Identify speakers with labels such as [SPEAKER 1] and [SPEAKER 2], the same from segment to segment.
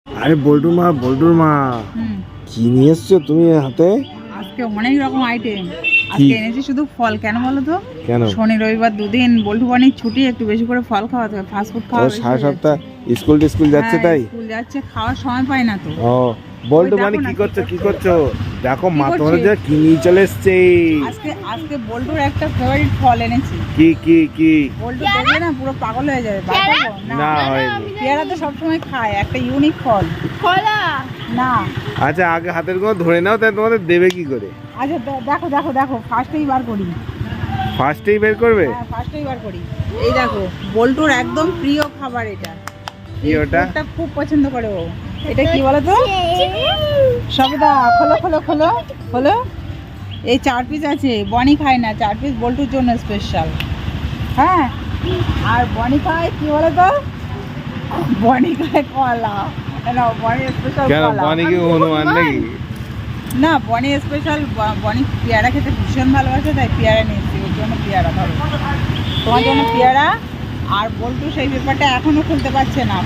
[SPEAKER 1] আরে বল্টুর মা কি নিয়ে এসছো তুমি হাতে?
[SPEAKER 2] আজকে অনেক রকম আইটেম। আজকে এনেছি শুধু ফল। কেন বলো তো?
[SPEAKER 1] কেন?
[SPEAKER 2] শনি রবিবার দুদিন বল্টু বানির ছুটি, একটু বেশি করে ফল খাওয়াতে হবে। ফাস্ট ফুড খাওয়া বেশি
[SPEAKER 1] সারা
[SPEAKER 2] হয়ে
[SPEAKER 1] সপ্তাহ
[SPEAKER 2] যাচ্ছে।
[SPEAKER 1] স্কুল যাচ্ছে তাই?
[SPEAKER 2] স্কুল যাচ্ছে, খাওয়ার সময় পায় না তো।
[SPEAKER 1] ও বল্টু
[SPEAKER 2] ওই দেখো
[SPEAKER 1] মানে
[SPEAKER 2] না
[SPEAKER 1] কি করছো? দেখো মা
[SPEAKER 2] করছে?
[SPEAKER 1] তোমার যা কি নিয়ে চলে এসছে।
[SPEAKER 2] আজকে বল্টুর একটা ফেভারিট ফল এনেছি।
[SPEAKER 1] কি?
[SPEAKER 2] বল্টু দেখলে না পুরো পাগল হয়ে যাবে।
[SPEAKER 1] না হয়নি।
[SPEAKER 2] পেয়ারা তো সবসময় খায়, একটা ইউনিক ফল। কলা না।
[SPEAKER 1] আচ্ছা আগে হাতের কোনো ধরে নাও, তাই তোমাদের দেবে কি করে?
[SPEAKER 2] আচ্ছা দেখো ফার্স্টেই বার করি।
[SPEAKER 1] ফার্স্টেই বের করবে?
[SPEAKER 2] হ্যাঁ ফার্স্টেই বার করি। এই দেখো বল্টুর একদম প্রিয় খাবার এটা।
[SPEAKER 1] কি ওটা?
[SPEAKER 2] এটা খুব পছন্দ করে ও। এটা কি বলো তো? সবেদা। খোলো। এই 4 পিস আছে। বনি খায় না, 4 পিস বল্টুর জন্য স্পেশাল। হ্যাঁ আর বনি খায় কি বলো তো? বনি খায় কলা। না বনি স্পেশাল
[SPEAKER 1] কেন
[SPEAKER 2] কলা।
[SPEAKER 1] বনি কি হনুমান নাকি?
[SPEAKER 2] না বনি স্পেশাল। বনি পেয়ারা খেতে ভীষণ ভালোবাসে, তাই পেয়ারা নিয়েছি ওর জন্য। পেয়ারা ধরো তোমার জন্য পেয়ারা। আর বল্টু সেই পেপারটা এখনো খুলতে পারছে না।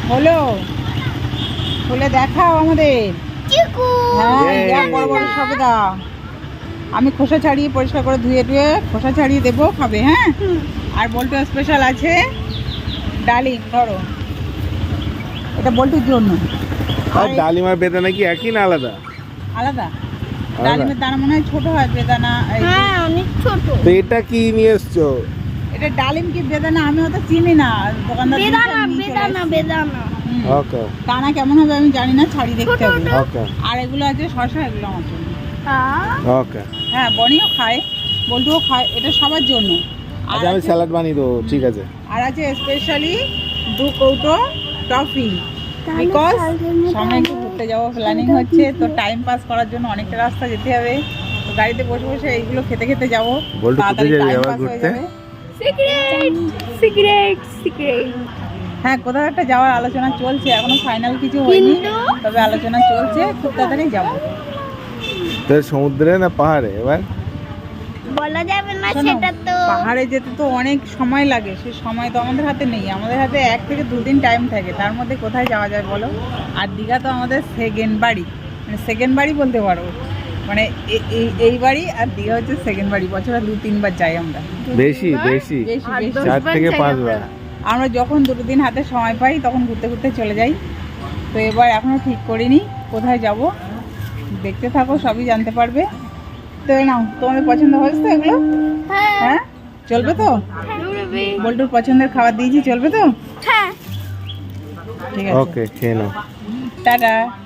[SPEAKER 2] খুলে দেখাও আমাদের। হ্যাঁ বড় সবেদা। আমি খোসা ছাড়িয়ে পরিষ্কার করে ধুয়ে খোসা ছাড়িয়ে দেবো, খাবে। হ্যাঁ আর বল্টু স্পেশাল আছে ডালিম। ধরো এটা বল্টুর জন্য।
[SPEAKER 1] আর ডালিম আর বেদানা কি একই না আলাদা?
[SPEAKER 2] আলাদা। ডালিমের দানা মনে হয় ছোট হয়, বেদানা অনেক ছোট।
[SPEAKER 1] তো এটা কি নিয়ে এসছো?
[SPEAKER 2] এটা ডালিম কি বেদানা আমি অত চিনি না। দোকানদার বেদানা।
[SPEAKER 1] ওকে।
[SPEAKER 2] দানা কেমন হবে আমি জানি না, ছাড়িয়ে দেখতে হবে।
[SPEAKER 1] ওকে
[SPEAKER 2] আর এগুলো আছে শসা, এগুলো আমার জন্য।
[SPEAKER 1] ওকে।
[SPEAKER 2] হ্যাঁ বনিও খায়, বল্টুও খায়, এটা সবার জন্য।
[SPEAKER 1] আচ্ছা আমি স্যালাড বানিয়ে দেবো, ঠিক আছে।
[SPEAKER 2] আর আছে স্পেশালি 2 কৌটো টফি। বিকজ সামনে একটু ঘুরতে যাবো প্ল্যানিং হচ্ছে, তো টাইম পাস করার জন্য অনেকটা রাস্তা যেতে হবে। তো গাড়িতে বসে এইগুলো খেতে যাবো।
[SPEAKER 1] বল্টু কোথায় যাবি আবার ঘুরতে?
[SPEAKER 2] হ্যাঁ কোথাও একটা যাওয়ার আলোচনা চলছে, এখনো ফাইনাল কিছু হয়নি, তবে আলোচনা চলছে। খুব তাড়াতাড়ি যাবো।
[SPEAKER 1] তো সমুদ্রে না পাহাড়ে এবার?
[SPEAKER 3] বলা যাবে না সেটা তো।
[SPEAKER 2] পাহাড়ে যেতে তো অনেক সময় লাগে, সে সময় তো আমাদের হাতে নেই। আমাদের হাতে 1 থেকে 2 দিন টাইম থাকে, তার মধ্যে কোথায় যাওয়া যায় বলো? আর দীঘা তো আমাদের সেকেন্ড বাড়ি, মানে সেকেন্ড বাড়ি বলতে পারো। মানে এই বাড়ি আর দীঘা হচ্ছে সেকেন্ড বাড়ি। বছরে 2-3 বার যাই আমরা।
[SPEAKER 1] বেশি 4 থেকে 5 বার।
[SPEAKER 2] আমরা যখন 2 দিন হাতে সময় পাই তখন ঘুরতে চলে যাই। তো এবার এখনো ঠিক করিনি কোথায় যাব, দেখতে থাকো, সবই জানতে পারবে। তো নাও, তোমাদের পছন্দ হয়েছে তো এগুলো? হ্যাঁ চলবে তো? বল্টুর পছন্দের খাবার দিয়েছি, চলবে তো?
[SPEAKER 3] হ্যাঁ
[SPEAKER 2] ঠিক আছে,
[SPEAKER 1] ওকে খেয়ে নাও।
[SPEAKER 2] টাটা।